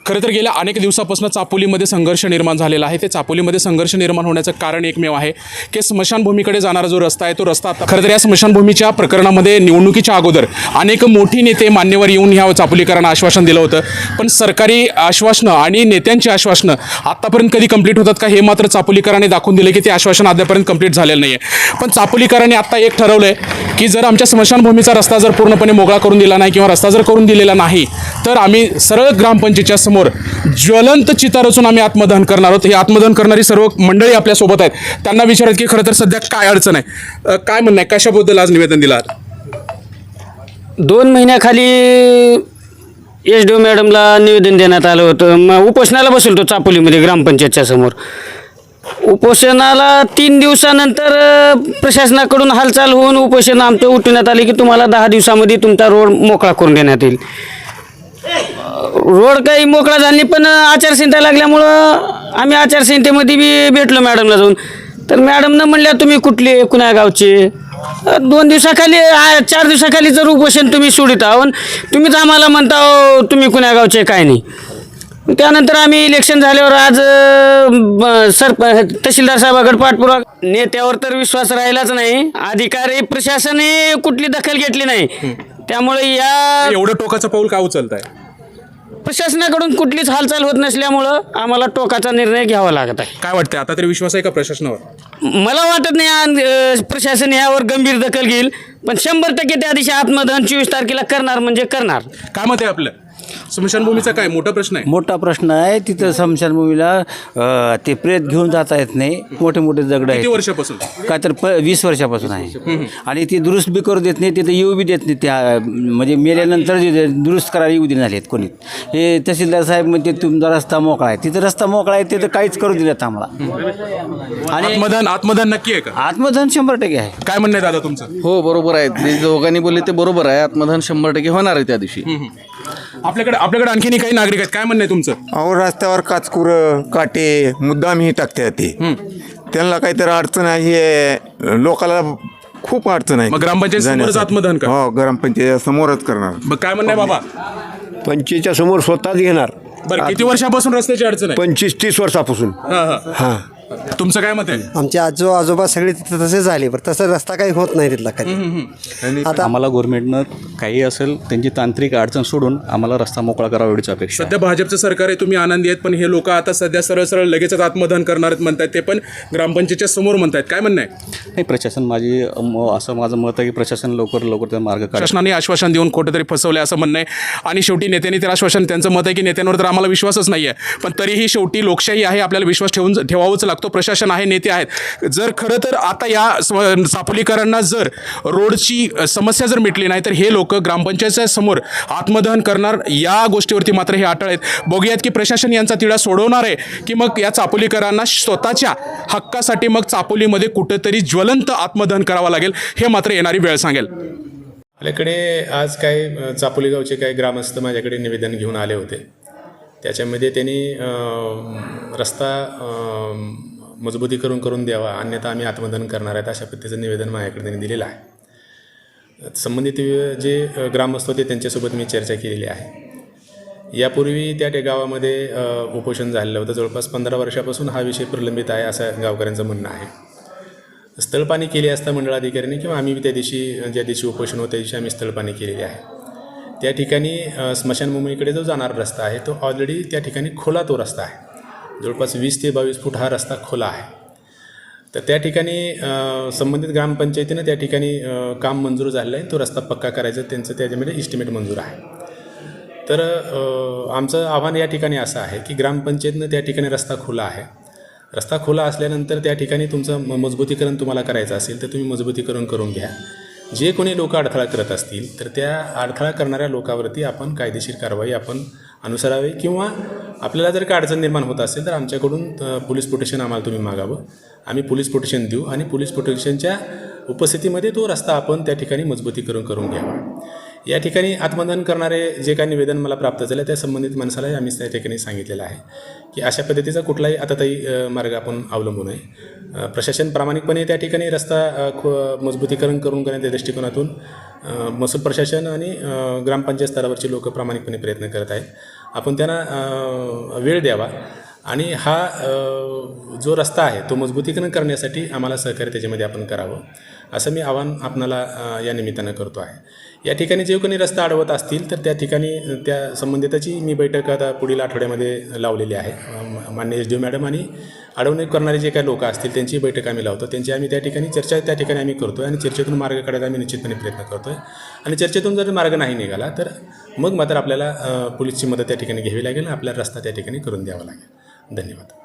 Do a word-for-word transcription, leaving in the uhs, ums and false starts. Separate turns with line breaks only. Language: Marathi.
खरं तर गेल्या अनेक दिवसापासून चापोलीमध्ये संघर्ष निर्माण झालेला आहे. ते चापोलीमध्ये संघर्ष निर्माण होण्याचं कारण एकमेव आहे की स्मशानभूमीकडे जाणारा जो रस्ता आहे तो रस्ता आता खरं तर या स्मशानभूमीच्या प्रकरणामध्ये निवडणुकीच्या अगोदर अनेक मोठी नेते मान्यवर येऊन ह्या चापोलीकरांना आश्वासन दिलं होतं, पण सरकारी आश्वासनं आणि नेत्यांची आश्वासनं आत्तापर्यंत कधी कंप्लीट होतात का हे मात्र चापोलीकरांनी दाखवून दिलं की ते आश्वासन अद्यापर्यंत कंप्लीट झालेलं नाही आहे. पण चापोलीकरांनी आत्ता एक ठरवलं आहे की जर आमच्या स्मशानभूमीचा रस्ता जर पूर्णपणे मोकळा करून दिला नाही किंवा रस्ता जर करून दिलेला नाही तर आम्ही सरळ ग्रामपंचायतीच्या समोर ज्वलंत चिता रचून आम्ही आत्मदहन करणार आहोत. हे आत्मदहन करणारी सर्व मंडळी आपल्यासोबत आहेत. त्यांना विचारत की खरं तर सध्या काय अडचण आहे, अ, काय म्हणणं आहे, कशाबद्दल आज निवेदन दिलं?
दोन महिन्याखाली एस डी ओ मॅडमला निवेदन देण्यात आलं होतं. मग उपोषणाला बसलो होतो चापोलीमध्ये ग्रामपंचायतच्या समोर. उपोषणाला तीन दिवसानंतर अ, प्रशासनाकडून हालचाल होऊन उपोषण आमचं उठवण्यात आले की तुम्हाला दहा दिवसामध्ये तुमचा रोड मोकळा करून देण्यात येईल. रोड काही मोकळा झाला नाही, पण आचारसंहिता लागल्यामुळं आम्ही आचारसंहितेमध्ये बी भेटलो मॅडमला जाऊन. तर मॅडमनं म्हणल्या तुम्ही कुठले कुण्या गावचे, दोन दिवसाखाली आ- चार दिवसाखाली जर उपोषण तुम्ही सोडित आहो तुम्हीच आम्हाला म्हणता हो, तुम्ही कुण्या गावचे काय नाही. त्यानंतर आम्ही इलेक्शन झाल्यावर आज अ, सर तहसीलदार साहेबाकडे पाठपुरावा, नेत्यावर तर विश्वास राहिलाच नाही. अधिकारी प्रशासनही कुठली दखल घेतली नाही. त्यामुळे या
एवढं टोकाचं पाऊल का उचलत आहे?
प्रशासनाकडून कुठलीच हालचाल होत नसल्यामुळं आम्हाला टोकाचा निर्णय घ्यावा लागत आहे.
काय वाटतंय आता तरी विश्वास आहे का प्रशासनावर?
मला वाटत नाही आ- अ, प्रशासन यावर गंभीर दखल घेईल, पण शंभर टक्के त्या दिवशी आत्मदहन चोवीस तारखेला करणार म्हणजे करणार.
काय मत आहे आपलं? स्मशानभूमीचा काय मोठा प्रश्न आहे?
मोठा प्रश्न आहे. तिथं स्मशानभूमीला अ, ते प्रेत घेऊन जाता येत नाही. मोठे मोठे दगड
किती
आहेत.
वर्षापासून?
काय तर प वीस वर्षापासून आहे. आणि ती दुरुस्त बी करू देत नाही, तिथं येऊ बी देत नाही. त्या म्हणजे मेल्यानंतर जे दुरुस्त करायला येऊ देणार आहेत कोणी. हे तहसीलदार साहेब म्हणजे तुमचा रस्ता मोकळा आहे, तिथं रस्ता मोकळा आहे, तिथं काहीच करू दिलं आम्हाला. आणि
आत्मदहन आत्मदहन नक्की आहे का?
आत्मदहन शंभर टक्के आहे.
काय म्हणणं आहे दादा तुमचं?
हो बरोबर आहे. जे दोघांनी बोलले ते बरोबर आहे. आत्मदहन शंभर टक्के होणार आहे त्या दिवशी.
आपल्याकडे आपल्याकडे आणखीन काही नागरिक आहेत, काय म्हणणं आहे तुमचं?
अहो रस्त्यावर काचकुरं काटे मुद्दाम ही टाकतात ते. त्यांना काहीतरी अडचण आहे, लोकाला खूप अडचण आहे.
मग ग्रामपंचायत समोरच
जाण्यासाठी.
आत्मदहन का?
हो, ग्रामपंचायत समोरच करणार.
मग काय म्हणणं आहे बाबा?
पंचवीसच्या समोर स्वतःच घेणार.
बरं, किती वर्षापासून रस्त्याची अडचण आहे?
पंचवीस तीस वर्षापासून.
हां हां
हां
तुमचं काय मत आहे?
आमचे आजो आजोबा सगळे तिथे तसे झाले, पण तसा रस्ता काही होत नाही तिथला कधी. आता
आम्हाला गव्हर्नमेंटनं काही असेल त्यांची तांत्रिक अडचण सोडून आम्हाला रस्ता मोकळा करावा एवढीच अपेक्षा आहे.
सध्या भाजपचं सरकार आहे, तुम्ही आनंदी आहेत, पण हे लोक आता सध्या सरळ सरळ लगेचच आत्मदहन करणार आहेत म्हणतात, ते पण ग्रामपंचायतच्या समोर म्हणतात. काय म्हणणं आहे?
नाही, प्रशासन माझी म- असं माझं मत आहे की प्रशासन लवकर लवकर त्या मार्ग काढ.
शासनाने आश्वासन देऊन कुठेतरी फसवले असं म्हणणं आहे. आणि शेवटी नेत्यांनी ते आश्वासन, त्यांचं मत आहे की नेत्यांवर तर आम्हाला विश्वासच नाही आहे, पण तरीही शेवटी लोकशाही आहे, आपल्याला विश्वास ठेवून ठेवावाच लागतो. प्रशासन आहे, नेते आहेत. जर खरं तर आता या स्व- चापोलीकरांना जर रोडची समस्या जर मिटली नाही तर हे लोक ग्रामपंचायतच्या समोर आत्मदहन करणार, या गोष्टीवरती मात्र हे अटळ आहेत. बघूयात की प्रशासन यांचा तिढा सोडवणार आहे की मग या चापोलीकरांना स्वतःच्या हक्कासाठी मग चापोलीमध्ये कुठंतरी ज्वलंत आत्मदहन करावं लागेल, हे मात्र येणारी वेळ सांगेल.
आपल्याकडे आज काय अ, चापोली गावचे काही ग्रामस्थ माझ्याकडे निवेदन घेऊन आले होते. त्याच्यामध्ये त्यांनी अ, रस्ता अ, मजबूतीकरण करून द्यावा, अन्यथा आम्ही आत्मदहन करणार आहेत, अशा पद्धतीचं निवेदन माझ्याकडे त्यांनी दिलेलं आहे. संबंधित जे अ, ग्रामस्थ होते त्यांच्यासोबत मी चर्चा केलेली आहे. यापूर्वी त्या त्या गावामध्ये अ, उपोषण झालेलं होतं. जवळपास पंधरा वर्षापासून हा विषय प्रलंबित आहे असं गावकऱ्यांचं म्हणणं आहे. स्थळपाणी केली असता मंडळाधिकाऱ्यांनी किंवा आम्ही त्या दिवशी ज्या दिवशी उपोषण होतं त्या दिवशी आम्ही स्थळपाणी केलेली आहे. त्या ठिकाणी अ, स्मशानभूमीकडे जो जाणारा रस्ता आहे तो ऑलरेडी त्या ठिकाणी खोला तो रस्ता आहे. जवळपास वीस ते बावीस फूट हा रस्ता खोला आहे. तर त्या ठिकाणी अ, संबंधित ग्रामपंचायतीनं त्या ठिकाणी अ, काम मंजूर झालेलं आहे. तो रस्ता पक्का करायचं त्यांचं त्याच्यामध्ये इस्टिमेट मंजूर आहे. तर अ, आमचं आव्हान या ठिकाणी असं आहे की ग्रामपंचायतीनं त्या ठिकाणी रस्ता खुला आहे. रस्ता खुला असल्यानंतर त्या ठिकाणी तुमचं म मजबूतीकरण तुम्हाला करायचं असेल तर तुम्ही मजबूतीकरण करून घ्या. जे कोणी लोक अडथळा करत असतील तर त्या अडथळा करणाऱ्या लोकांवरती आपण कायदेशीर कारवाई आपण अनुसरावी, किंवा आपल्याला जर का अडचण निर्माण होत असेल तर आमच्याकडून पोलीस प्रोटेक्शन आम्हाला तुम्ही मागावं. आम्ही पोलीस प्रोटेक्शन देऊ आणि पोलीस प्रोटेक्शनच्या उपस्थितीमध्ये तो रस्ता आपण त्या ठिकाणी मजबूतीकरण करून घ्यावा. या ठिकाणी आत्मदहन करणारे जे काही निवेदन मला प्राप्त झालं त्या संबंधित माणसालाही आम्ही त्या ठिकाणी सांगितलेलं आहे की अशा पद्धतीचा कुठलाही आताताई मार्ग आपण अवलंबू नये. प्रशासन प्रामाणिकपणे त्या ठिकाणी रस्ता मजबूतीकरण करून करण्याच्या दृष्टिकोनातून महसूल प्रशासन आणि ग्रामपंचायत स्तरावरची लोक प्रामाणिकपणे प्रयत्न करत आहेत. आपण त्यांना अ, वेळ द्यावा आणि हा अ, जो रस्ता आहे तो मजबूतीकरण करण्यासाठी आम्हाला सहकार्य त्याच्यामध्ये आपण करावं असं मी आवाहन आपणाला अ, या निमित्तानं करतो आहे. या ठिकाणी जे कोणी रस्ता अडवत असतील तर त्या ठिकाणी त्या संबंधिताची मी बैठक आता पुढील आठवड्यामध्ये लावलेली आहे. अ, माननीय एस डी ओ मॅडम आणि अडवणूक करणारे जे काही लोक असतील त्यांची बैठक आम्ही लावतो. त्यांची आम्ही त्या ठिकाणी चर्चा त्या ठिकाणी आम्ही करतो आहे आणि चर्चेतून मार्ग काढायला आम्ही निश्चितपणे प्रयत्न करतो आहे. आणि चर्चेतून जर मार्ग नाही निघाला तर मग मात्र आपल्याला अ, पोलीसची मदत त्या ठिकाणी घ्यावी लागेल, आपल्याला रस्ता त्या ठिकाणी करून द्यावा लागेल. धन्यवाद.